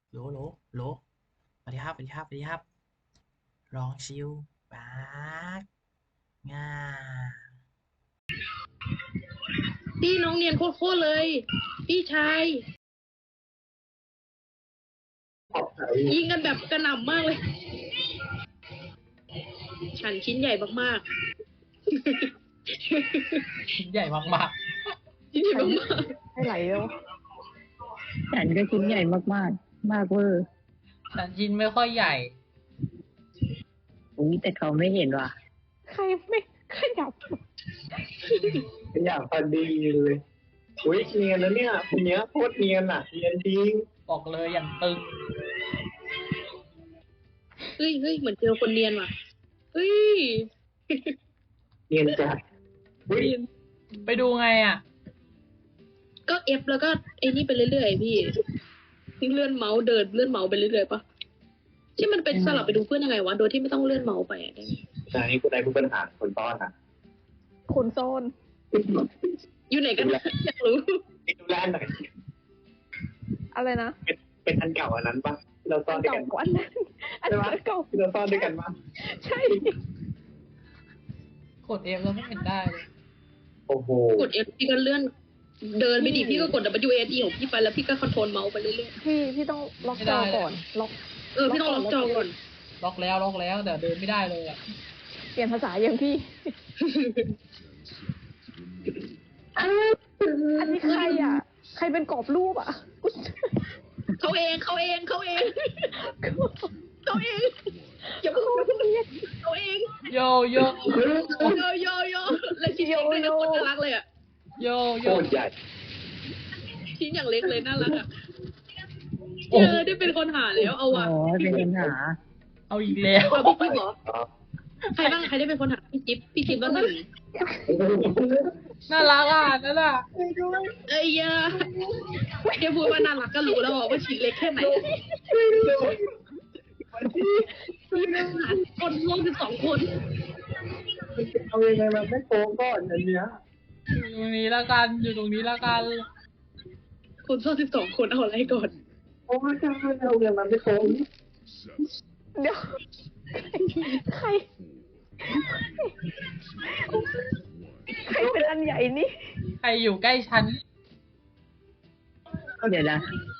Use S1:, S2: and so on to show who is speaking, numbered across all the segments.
S1: โหลโหลโหลสวัสดีครับสวัสดีครับสวัสดีครับลองชิวปากง่า
S2: พี่น้องเนียนโคตรเลยพี่ชายยิงกันแบบกระหน่ำมากเลยฉันชิ้นใหญ่มาก
S1: ชิ้นใหญ่มาก
S2: ๆชิ้นใหญ่มาก
S3: ให้ไหลแล้วฉันก็ชิ้นใหญ่มากๆ มากเวอร์
S1: ๆแต่ชิ้นไม่ค่อยใหญ่
S3: อุ้ยแต่เขาไม่เห็นว่ะ ใครไม่ขยับ
S4: อยากพอดีเลยอุ้ยเนียนแล้วเนี่ยคนเนี้ยโคตรเนียนอ่ะเนียนจริง
S1: บอกเลยอย่างตึง
S2: เฮ้ยเหมือนเจอคนเนียนว่ะเฮ้ย
S4: เนียนจัดอุ้ย
S1: ไปดูไงอ่ะ
S2: ก็เอฟแล้วก็ไอ้นี่ไปเรื่อยๆพี่เลื่อนเมาส์เดินเลื่อนเมาส์ไปเรื่อยๆปะที่มันเป็นสลับไปดูเพื่อนยังไงวะโดยที่ไม่ต้องเลื่อนเมาส์ไปอะได้ไหม
S4: ตอนนี้กูได้ผู้ปัญหาคนต้อนอ่ะ
S3: คุณโซน
S2: อยู่ไหนกันอยากรู้
S4: นี่ดูแลหน่อย
S3: อะไรนะ
S4: เป็นอันเก่าอันนั้นปะที่เราซ่อนด้วย
S3: เก่า
S4: กัน
S3: กว่าอันนั้นอันนั้นเก่า
S4: ที่เราซ่อนด้วยกันปะ
S3: ใช่
S1: กด F แล้วไม่เห็นได้เลย
S4: โอ้โห
S2: กดเอฟพี่ก็เลื่อนเดินไปดิพี่ก็กด W A D ของพี่ไปแล้วพี่ก็คอนโทรลเมาส์ไปเรื่อย
S3: พี่ต้องล็อกจอก่อน ล็อก
S2: ๆพี่ต้องล็อกจอก่อน
S1: ล็อกแล้วแต่เดินไม่ได้เลยอ่ะ
S3: เปลี่ยนภาษาอย่างพี่ อันนี้ใครอ่ะ ใครเป็นกรอบรูปอ่ะ
S2: เขาเองอย่าพูดเขาเอง
S1: โยโย
S2: โยและชิ้นเล็กด้วยนะคนน่ารักเลยอ่ะ
S1: โย
S4: โค
S1: โย
S4: ตรใหญ่
S2: ชิ้นอย่างเล็กเลยน่ารักอ่ะ
S1: โอ้
S2: ได้เป็นคนหาแล้วเอา
S3: อ๋
S2: ว่ะ
S3: อ เป็นปัญหา
S1: เอาอีกแล้ว
S2: เอาพี่จิ๊บเหรอใครบ้างใครได้เป็นคนหาพี่จิ๊บบ้างหนึ่ง
S1: น่ารักอ่ะนั่นอ่ะ
S2: เอ้ยยาแค่พูดว่าน่ารักก็รู้แล้วว่าชิ้นเล็กแค่ไหนคนร่วม12 คน
S4: เอายังไงมาไม่โกงก่อนอันเนี้ย
S1: อยู่ตรงนี้ละกันอยู่ตรงนี้ละกัน
S2: คนร่วม12 คนเอาอะไรก่อน
S4: โอ้ยจะเอายังไงมาไม่โกง
S3: เดี๋ยว ใคร ใครเป็นอันใหญ่นี่
S1: ใครอยู่ใกล้ฉัน
S3: เดี๋ยวนะ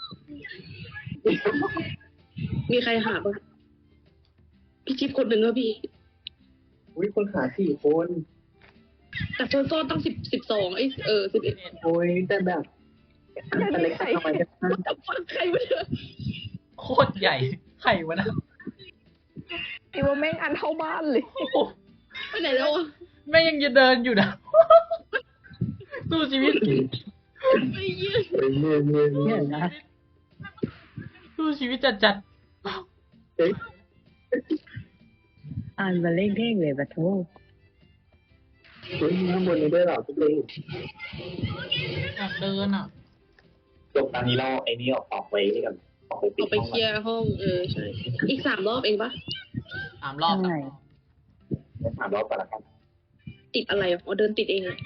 S2: มีใครหาบ้างพี่จิ๊บคนหนึ่งแล้วพี่
S4: อุ้ยคนหา4 คน
S2: แต่โซนโซนต้อง1211
S4: โอ้ยแต่แบบอันเล็กทำไมกัน
S2: แต่ฟังใครมาเถอะ
S1: โคตรใหญ่ใครวะนะ
S3: ไอ้ว่าแม่งอันเท่าบ้านเลย
S1: โอ้โห
S2: ไปไหนแล้วอ่ะ
S1: แม่งยังจะเดินอยู่นะ สู้ชีวิต
S2: ไอ้เหี้ย
S3: เนี่ยนะ
S1: สู้ชีวิตจัด
S4: เฮ้ย
S3: อ่านมาเล่งเท่งเลยปะโท
S4: เฮ้ยข้างบนนี้ด้วยเหรอทุกคน
S1: ๆอยากเดินอ่ะ
S4: จบตอนนี้เราไอ้นี่ออกไปนี่กันออกไปปิ
S2: อ
S4: ด
S2: อกไปเคลียร์ห้องใช่อีก3 รอบเองปะ
S1: 3 รอบ
S3: ใช่
S4: 3 รอบก่อนละกัน
S2: ติดอะไรอ่ะอ๋อเดินติดเองเลย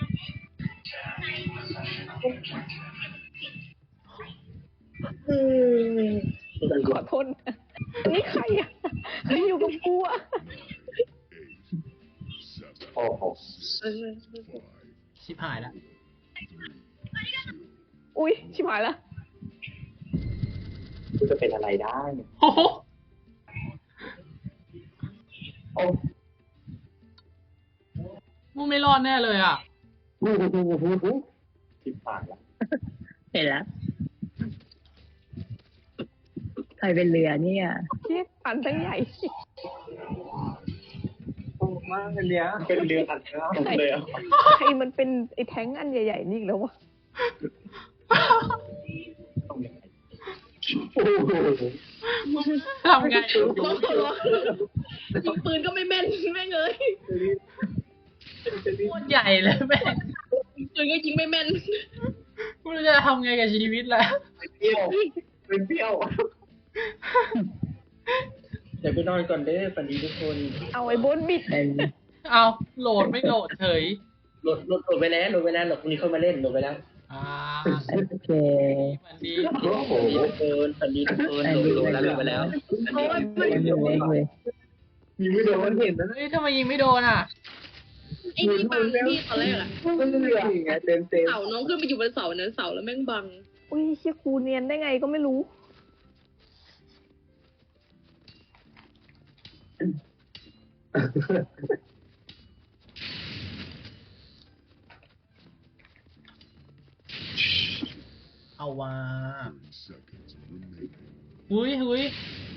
S3: ขอโทษนะนี่ใครอ่ะใครอยู่กับกูอ่ะ
S4: โอ้โห
S1: ชิบหายแล้ว
S3: อุ้ยชิบหายละ
S4: กูจะเป็นอะไรได้
S1: โอ้โห
S4: โอ้
S1: มึงไม่รอดแน่เลยอ่ะ
S4: โหสิบปากละ
S3: เห็นแล้วใครเป็นเรือเนี่ยเทียอันตั้งใหญ่
S4: โอ้มากอันเนี้ยเป็นเรืออัดเนื้อเลยอ่ะ
S3: ใครมันเป็นไอ้แท้งอันใหญ่ๆนี่อีกแล้ววะ
S4: โอ้โห
S1: ทำไง
S2: ร้องยิงปืนก็ไม่แม่นแม่งเลย
S1: โคตรใหญ่เลยแม่ง
S2: ยิงปืนก็ยิงไม่แม่น
S1: ไม่รู้จะทำไงกับชีวิตแล้ว
S4: เปรี้ยวเป็นเปรี้ยวเดี๋ยวไปนอนก่อนเด้อฝันดีทุกคน
S3: เอาไอ้บนบิด
S1: เอาโหลดไม่โหลดเฉย
S4: โหลดไปแล้วโหลดพรุ่งนี้เข้ามาเล่นโหลดไปแล้ว
S1: อ่า
S3: โอเค
S1: มันดี
S4: โอ้โห
S5: พันดีทุกคนโดนแล้วไปแล้ว
S3: เล็กเลย
S4: ยิงไม่โดนเห็นนะ
S1: เฮ้ยทำไมยิงไม่โดนอ่ะ
S2: ไอ้นี่บังพี่ตอนแรกอะ
S4: มันเหลือไงเต็ม
S2: เสาน้องขึ้นไปอยู่บนเสานั้นเสาแล้วแม่งบัง
S3: อุ้ยเชี่ยครูเนียนได้ไงก็ไม่รู้
S1: เอาว่าหุย
S3: อุ้ย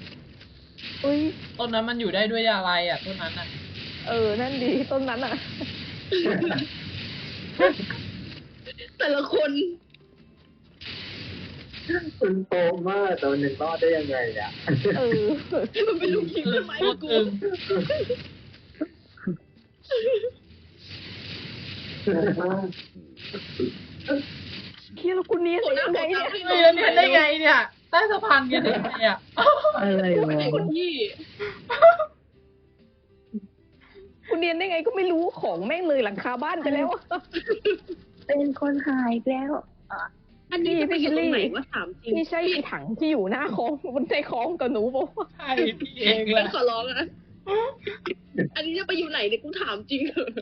S1: ต้นนั้นมันอยู่ได้ด้วยอะไรอ่ะต้นนั้นอ่ะ
S3: นั่นดีต้นนั้นอ่ะ
S2: แต่ละคน
S4: คุณโตมากแต่วันหนึ่งรอดได้ยังไงอ่ะ
S2: มันเป็นลูกคิง
S1: อึ้
S2: ต้
S1: ง
S2: นไม้
S1: โค
S2: ให้
S1: ตร
S2: กู
S1: อึ้ง
S3: เคียแล้วกูเนียน
S2: โห
S3: ได้
S2: น้า
S3: ยัง
S2: ข
S3: ไง
S2: อ
S3: เนี่ย
S2: ทำให้
S1: เฮ้ยแล้วเนี่ยได้ไงเนี่ยใต้สะพานเนี่ยได้ไงอ่ะ
S3: อะไรวะ
S2: ไอ้คนที่
S3: กูเนียนได้ไงก็ไม่รู้ของแม่งเลยหลังคาบ้านไปแล้วอะ
S6: เป็นคนหายแล้ว
S2: อันนี้จะไปอยู่ตรงไหนวะถามจริง
S3: นี่ใช่ไอ้ถังที่อยู่หน้าคลองบนใจคลองกับหนูบอกว่า
S1: ใช่พี่เองแห
S2: เป็
S1: ละ
S2: นขอร้องนะอันนี้จะไปอยู่ไหนเนี่ยกูถามจริงเถอะ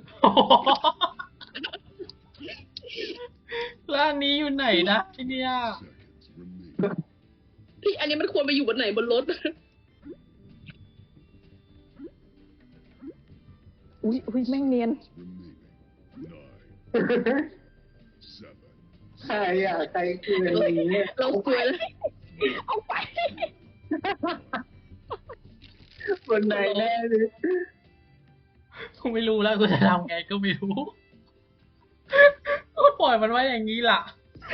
S1: แล้วอันนี้อยู่ไหนนะที่เนี่ย
S2: พี่อันนี้มันควรไปอยู่บนไหนบนรถ
S3: อุ้ยแม่งเนียน
S4: ใครอ่ะใครคืออะไรเนี่ย
S2: เรากลัวแล้ว
S3: เอาไป
S4: บนไหนแน่เลย
S1: กูไม่รู้แล้วกูจะทำไงก็ไม่รู้ก็ปล่อยมันไว้อย่างนี้ล่ะ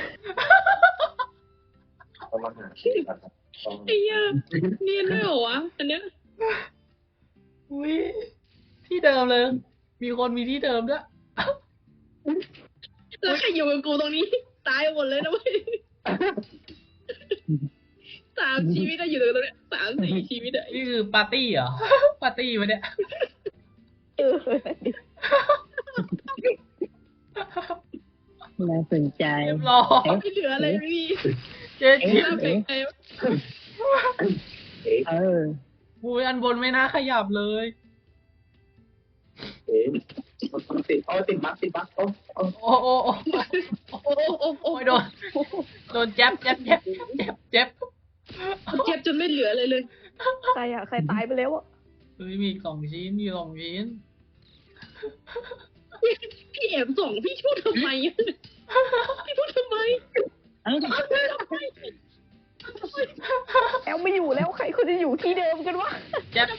S2: ไอ้เหี้ยเนียนด้วยเหรอวะอันเนี้ย
S1: อุ้ยที่เดิมเลย มีคนมีที่เดิมด้วย
S2: แล้วใครอยู่กับกูตรงนี้ ตายหมดเลยนะเว้ย3 ชีวิตอะอยู่ตรงเนี้ย3-4 ชีวิตอะ
S1: นี่คือปาร์ตี้เหรอ ปาร์ตี้วะเนี่ย
S3: น่าสนใจ
S1: เรียบร้อย
S2: ไม่เหลืออะไรเลยพี่
S1: เจ๊ชิป
S2: น่าเป็นไงวะ
S1: อุ้ยอันบนไม่น่าขยับเลย
S4: ติดบั๊กโอ้
S1: โอ้โอ้โอ้
S2: โอ้โอ้โอ้
S1: โอ้ยโดนแจ๊บเจ็บ
S2: เจ็บจนไม่เหลืออะไรเลย
S3: ใครอ่ะ ใครตายไปแล้วอ่ะ
S1: เฮ้ยมี2 ชิ้นมี2 ชิ้น
S2: พี่แอบส่องพี่พูดทำไมอะพี่พูดทำไม
S3: แอลไม่อยู่แล้วใครเขาจะอยู่ที่เดิมกันวะ
S1: เจ็บ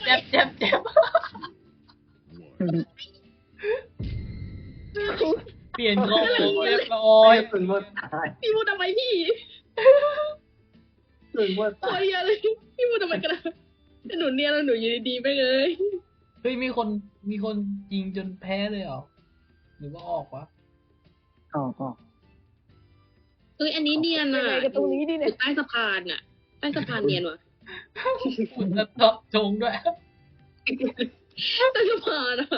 S1: เปลี่ยนกองเรียบร้อย
S4: ถึงว่าตาย
S2: พี่พูดทำไมพี่
S4: ถึงว่า
S2: โค
S4: ตาย
S2: ตรเยอะเลยพี่พูดทำไมกันนะหนูเนียนแล้วหนูอยู่ดีๆไปเลย
S1: เฮ้ยมีคนยิงจนแพ้เลยเหรอหรือว่าออกวะ
S2: เอ้ยอันนี้เนียน
S3: ยัง
S2: อ่ะ
S3: ไงกันตรงนี้ดิ
S2: อ
S3: เนี่ย
S2: ยู่ใต้สะพานอ่ะใต้สะพานเนียนว่ะ
S1: คุณจะเจาะจงด้วย
S2: ใต้สะพานอ่ะ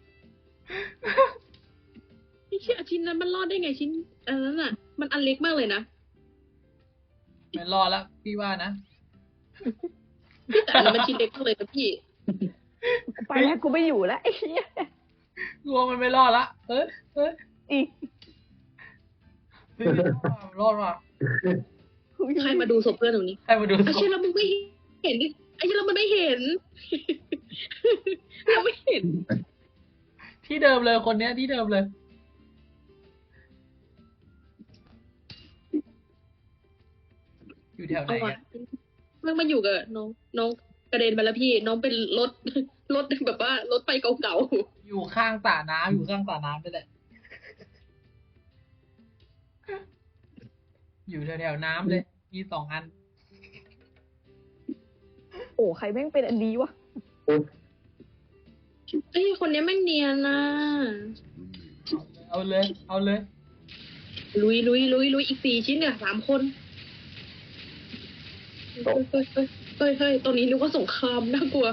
S2: พี่เชื่อชิ้นนั้นมันรอดได้ไงชิ้นอันนั้นอ่ะ มันอันเล็กมากเลยนะ
S1: ไม่รอดแล้วพี่ว่านะ
S2: พี่แต่อันนั้นมันชิ้นเล็กมากเลยนะพี่
S3: ไปแล้วกูไม่อยู่แล้วไอ้เหี้ย
S1: กลัวมันไม่รอดละเอ้ย
S3: อีก
S1: ไม่รอดว่ะ
S2: ใครมาดูศพเพื่อนตรงนี้
S1: ใครมาดู
S2: ไอ้เชื่อแล้วมึงไม่เห็นดิไอ้เชื่อแล้วมันไม่เห็น เราไม่เห็น
S1: ที่เดิมเลยคนเนี้ยที่เดิมเลย อยู่แถวไหน
S2: เอาวะ
S1: อะ
S2: มันมาอยู่กับน้องกระเด็นไปแล้วพี่ น้องเป็นรถ รถแบบว่ารถไฟเก่า
S1: อยู่ข้างสระน้ำอยู่ข้างสระน้ำนี่แหละ อยู่แถวๆน้ำเลย มี2 อัน
S3: โอ้ใครแม่งเป็นอันดีวะ
S2: ๆไอ้ยคนนี้แม่งเนียนนะ
S1: เอาเลย
S2: ลุยอีก4 ชิ้นเนี่ย3 คนเฮ้ยตรงนี้นึกว่าสงครามน่ากลัว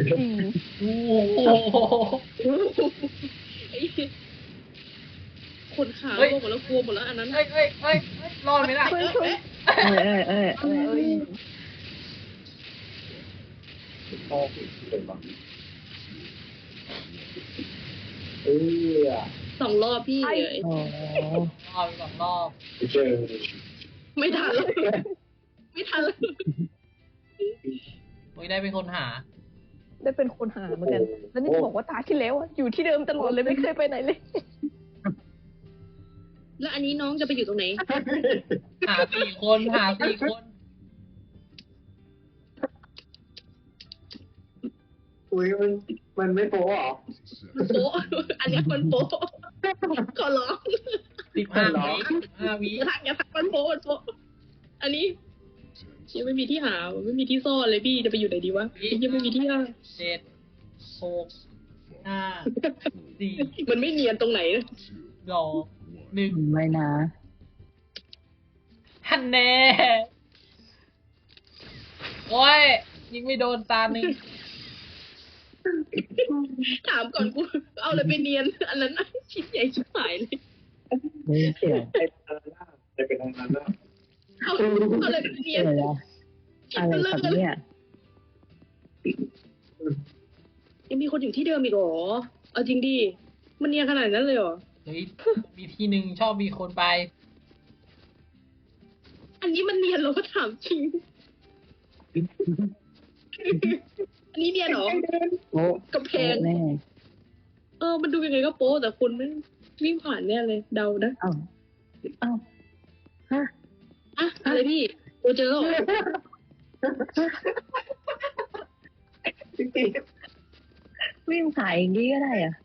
S1: โอ้โห
S2: ไอ้คนขาลงหมดแล้วกลัวหมดแล้วอันนั้น
S1: เอ้ยรอดไหมล่ะ
S3: เฮ้ยเฮ้ย
S4: พ่อเป็นบ้าง
S2: 2 รอบพี่
S6: โอ้
S1: รอบสองรอบ
S4: เจอ
S2: ไม่ทันแล้วไม่ทันแล้ว
S1: โอ้ยได้เป็นคนหา
S3: ได้เป็นคนหาเหมือนกัน แล้วนี่จะบอกว่าตาที่แล้วอะอยู่ที่เดิมตลอดเลยไม่เคยไปไหนเลย
S2: แล้วอันนี้น้องจะไปอยู่ตรงไหน
S1: หาสี่คนหาสี่คน
S4: อุ้ยมันไม่โป๊หรอ
S2: มันโป๊ะอันเนี้ยมันโป๊ะขอร้อง
S1: 15 วิ
S2: อย่าทักมันโป๊ะมันโป๊ะอันนี้ยังไม่มีที่หาไม่มีที่ซ่อนเลยพี่จะไปอยู่ไหนดีวะยังไม่มีที่หา
S1: 7 6 5 4
S2: มันไม่เนียนตรงไหนเลย
S1: 2 1
S6: ไม่นะ
S1: ฮันแน่โอ้ยยิงไม่โดนตาหนึ่ง
S2: ถามก่อนกูเอาอะไรไปเนียน อันนั้นน่ะชิ้นใหญ่ชิบหายเลย
S6: ไม่เสียง
S4: จะเป็นอะไรนะ
S2: เอาอะไรไปเนีย
S6: เสี
S2: น
S6: ยงอะไรครับเนี่ย
S2: ยังมีคนอยู่ที่เดิมอีกเหรอเอาจริงดิมันเนียนขนาดนั้นเลยเหรอ
S1: เฮ้ยมีที่หนึ่งชอบมีคนไป
S2: อันนี้มันเนียนเหรอถามจริง อันนี้เนียนเหรอ
S6: โอ้
S2: กำแพง
S6: แน่
S2: มันดูยังไงก็โป๊แต่คนไม่วิ่งผ่านแน่เลย เดานะ
S6: เอ้าฮะ
S2: อะอะไรพี่ตัวเจอแล้วเหรอ
S6: วิ่งสายอย่างนี้ก็ได้อะ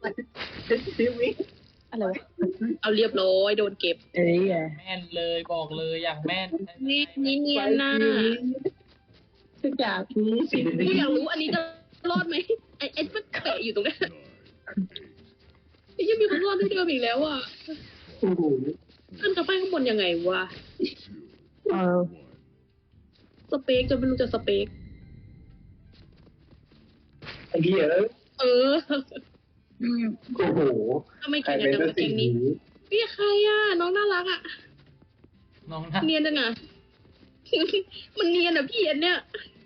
S3: อะไรวะ
S2: เอาเรียบร้อยโดนเก็บ
S6: เอ้ยอะ
S1: แม่นเลยบอกเลยอย่างแม่น
S2: นี่เนียนนะ
S4: สักอย่างนี้สิ
S2: กูอยากรู้อันนี้จะรอดไหมไอ้มันเตะอยู่ตรงนั้นไอ้ยังมีคนรอดที่เดิมอีกแล้วอ่ะ
S4: โอ้โห
S2: ขึ้นกระไปข้างบนยังไงวะ
S6: เออ
S2: สเปกจนไม่รู้จะสเปก
S4: ไอ้เหี้ย
S2: เออ
S4: โอ้โห
S2: ทำไม
S4: ใคร
S2: แข่งกั
S4: เป็น น
S2: จัง
S4: ตัว
S2: วะแก
S4: สิ่ง
S2: งนี้
S4: นี้
S2: พี่ใครอ่ะน้องน่ารักอ่ะ
S1: น้องนะ
S2: เนียนจังอ่ะ มันเนียนอ่ะพี่อันเนี้ย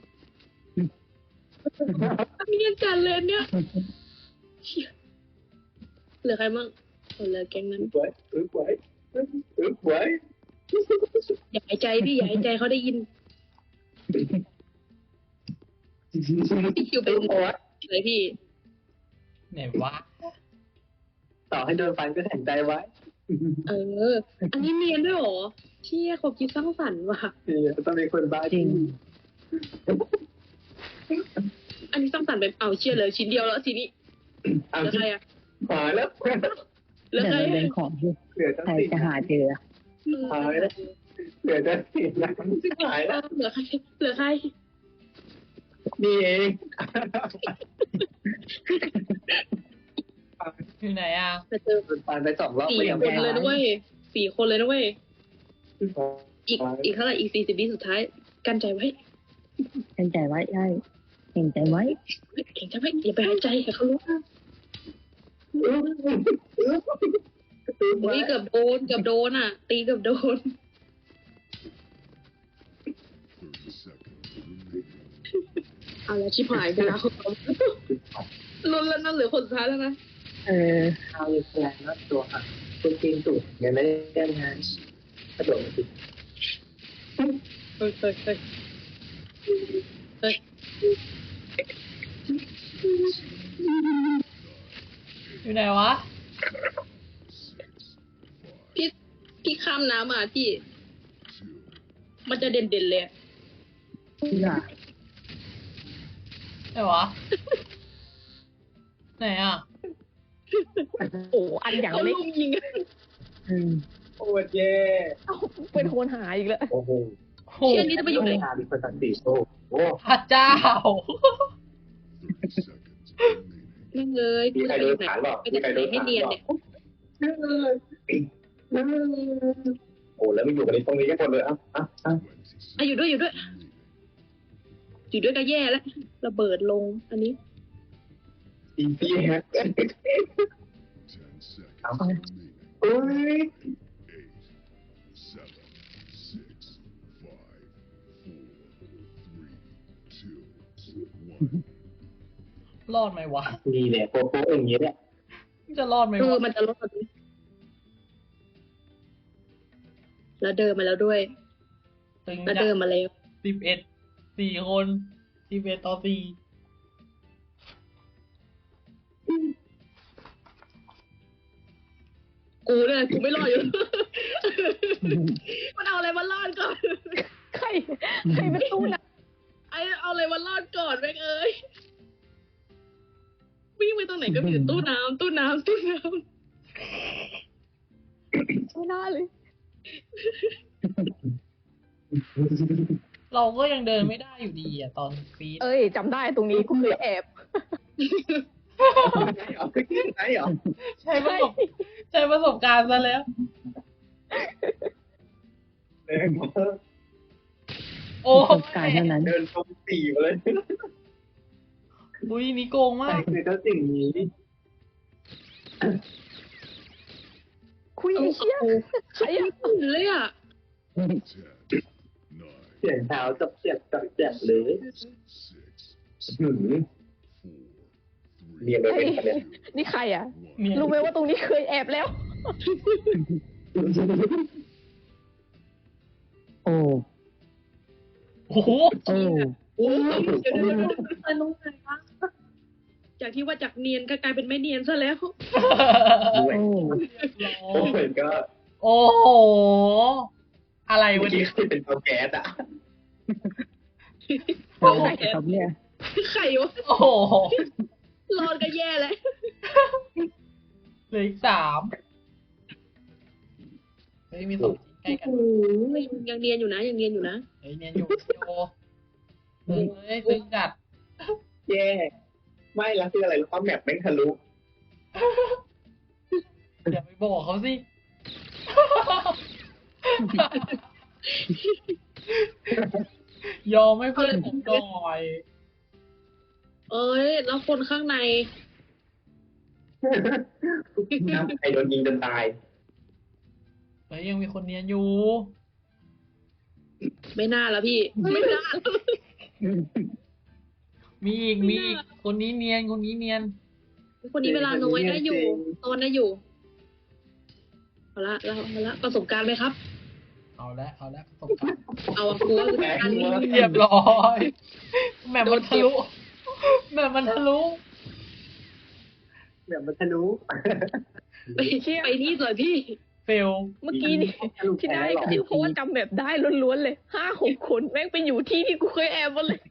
S2: เนียนจัดเลยอันเนี้ยเชี่ยเหลือใครมั่งเหลือแก๊งนั้น
S4: ไว้ไว้
S2: อย่าหายใจพี่อย่าหายใจเขาได้ยินพี่คิวเป็นอะไรพี่
S1: ไหนวะ
S4: ต่อให้โดนฟันก็แข็งใจไว้
S2: อันนี้เนียนด้วยเหรอเชี่ยความคิดสร้างสรรค์ว่ะ
S4: ต้องมีคนบ้า
S6: จริง
S2: อันนี้สร้างสรรค์แบบเอาเชี่ยเลยชิ้นเดียวแล้วทีนี้เห
S4: เอา
S2: ลือใครอ่ะ
S4: หายแล้ว
S2: เหลือ
S6: เดี๋ยว
S2: ใคร
S6: มันเป็นของที่
S4: เหลือจะ
S6: ใคร
S4: ติด
S6: จะหาเจอ
S4: หายแล้วเหลือจะติดแล้วหายแล้ว
S2: เหลือใครเหลือใคร
S4: นี่เอง
S1: อยู่ไหนอ่ะ
S2: จะเจอ
S4: โดนฟันไป2 รอบ
S2: 4
S4: ก็ยัง
S2: ค
S4: ไม่
S2: น
S4: หา
S2: เลย
S4: ย
S2: นะเว้ย4 คนเลยนะเว้ยอีกเท่าไหร่อีก40 วิสุดท้ายกันใจไว้
S6: เห็นใจไว้ใช่เห็นใจไว้
S2: เก่งใจไว้อย่าไปหายใจให้เขารู้อุ้ยเกือบโดนอ่ะ ตีเกือบโดนเอาละชิบหายเวลาเขาลุ้นแล้วนั่นเหลือคนสุดท้ายแล้วนะ
S6: เออ
S4: เอาเลยแรงนะตัวค่ะคุณจริงสุดยังไม่ได้งานกระโดดสิ
S2: เฮ้ย
S1: อยู่ไหนวะ
S2: พี่ข้ามน้ำมาพี่ มันจะเด่นๆเลยอะ
S6: น่ะ
S1: ไหนวะ ไหนอ่ะ
S3: โอ้อันอย่าง
S2: เขา
S3: เล็ก
S2: ลุมยิงอะ
S6: อืม
S4: โอ้เย่
S3: เอ้าเป็นคนหาอีกแล้ว
S4: โอ้โห
S1: โห
S2: เชี่ยนี้จะไปอยู่ไหน
S4: มีคนตัดสีโอ้โห
S1: พระเจ้า
S2: นั่งเลยกูจะไปอยู่ไหนไปจะไหนให้เนียนเนี่ย
S4: โอ้แล้วไม่อยู่กันในตรงนี้กันหมดเลยอ่ะ
S2: อยู่ด้วยอยู่ด้วยก็แย่แล้วระเบิดลง อันนี้
S4: อีซี่ฮะโอ้อุ้ย
S1: รอดไหมวะ
S4: นี่แหละโป๊ะๆอย่างเงี้ยแหละ
S1: จะรอดไหมวะ
S2: มันจะลดแล้วเดินมาแล้วด้วย
S1: ตึง
S2: แล้ว
S1: จั
S2: เดิน
S1: ด
S2: มาแล้ว
S1: 4 คน11-4
S2: กูเนี่ยกูไม่รอดอยู่ มันเอาอะไรมารอดก่อน
S3: ใครเป็นตู้นะ
S2: ไอ้เอาอะไรมารอดก่อนแม่งเอ้ยวิ่งไปตรงไหนก็มีแต่ตู้น้ำ
S3: ไม่น่าเลย
S1: เราก็ยังเดินไม่ได้อยู่ดีอ่ะตอนฟีด
S3: เอ้ยจำได้ตรงนี้กูเคยแอบ
S4: เอาไปที่ไหนเหรอ
S1: ใช้ประสบการณ์ซะแล้ว
S4: เดินมา
S1: โอ้
S6: ประสบการณ์เท่านั้น
S4: เดินตรงสี่มาเลย
S1: อุ้ยนี่โกง
S4: ใคร
S1: มาก
S4: คือเจ้าสิ่งนี้
S3: คุยไอ้เชี่ยใครอะ
S2: เลยอ่ะ
S4: เสียงเท้าจับเจ็บเลยหืมเรียนไปเป็นคะแนน
S3: นี่ใครอะ
S1: เนี่ย
S3: รู้ไหมว่าตรงนี้เคยแอบแล้ว
S6: โอ้
S1: โอ้โห
S6: โอ้
S2: โอ้ยเดี๋ยวตรงไหนวะจากที่ว่าจากเนียนก็กลายเป็นไม่เนียนซะแล้ว
S4: ด้วย
S6: โอ้
S4: โอ้ยก็
S1: โอ้โห อะไร
S4: เมื่
S1: วะ
S4: อกี้
S1: เนี่ย
S4: คือเป็นเตาแก๊สอ่ะ
S6: โอ้ครับเนี่ย
S2: ไข่วะ
S1: โอ้โห
S2: รอดก็แย่แล้ว
S1: เหลืออีก3เฮ้ยมี2ทีใกล้กัน
S2: โอ้ยยังเนียนอยู่นะ
S1: เฮ้ยเนียนอยู่โยเฮ้ยตึงจัด
S4: แย่ไม่แล้วคืออะไรรู้ป่ะแมปแม่งทะลุ
S1: อย่าไปบอกเขาสิ ยอมให้เพื่อนผมหน่อย
S2: เอ้ยแล้วคนข้างใน
S4: น้ำใครโดนยิงจนตาย
S1: เฮ้ยยังมีคนเนียนอยู่
S2: ไม่น่าแล้วพี่ ไม่น่า
S1: มีอีกคนนี้เนียน
S2: คนนี้เวลาน้อยได้อยู่ตอนได้อยู่เอาละประสบการณ์ไหมครับ
S1: เอาละประสบการณ์
S2: เอาอะกูว่าประสบการณ์
S1: เรียบร้อยแหม่มมันทะลุ
S4: แบบมันทะลุ
S2: ไปไปนี่ก่อนพี่
S1: เฟล
S3: เมื่อกี้นี่ที่ได้ก็คือเพราะว่าจำแบบได้ล้วนๆเลย5-6 คนแม่งไปอยู่ที่ที่กูเคยแอบหมดเลย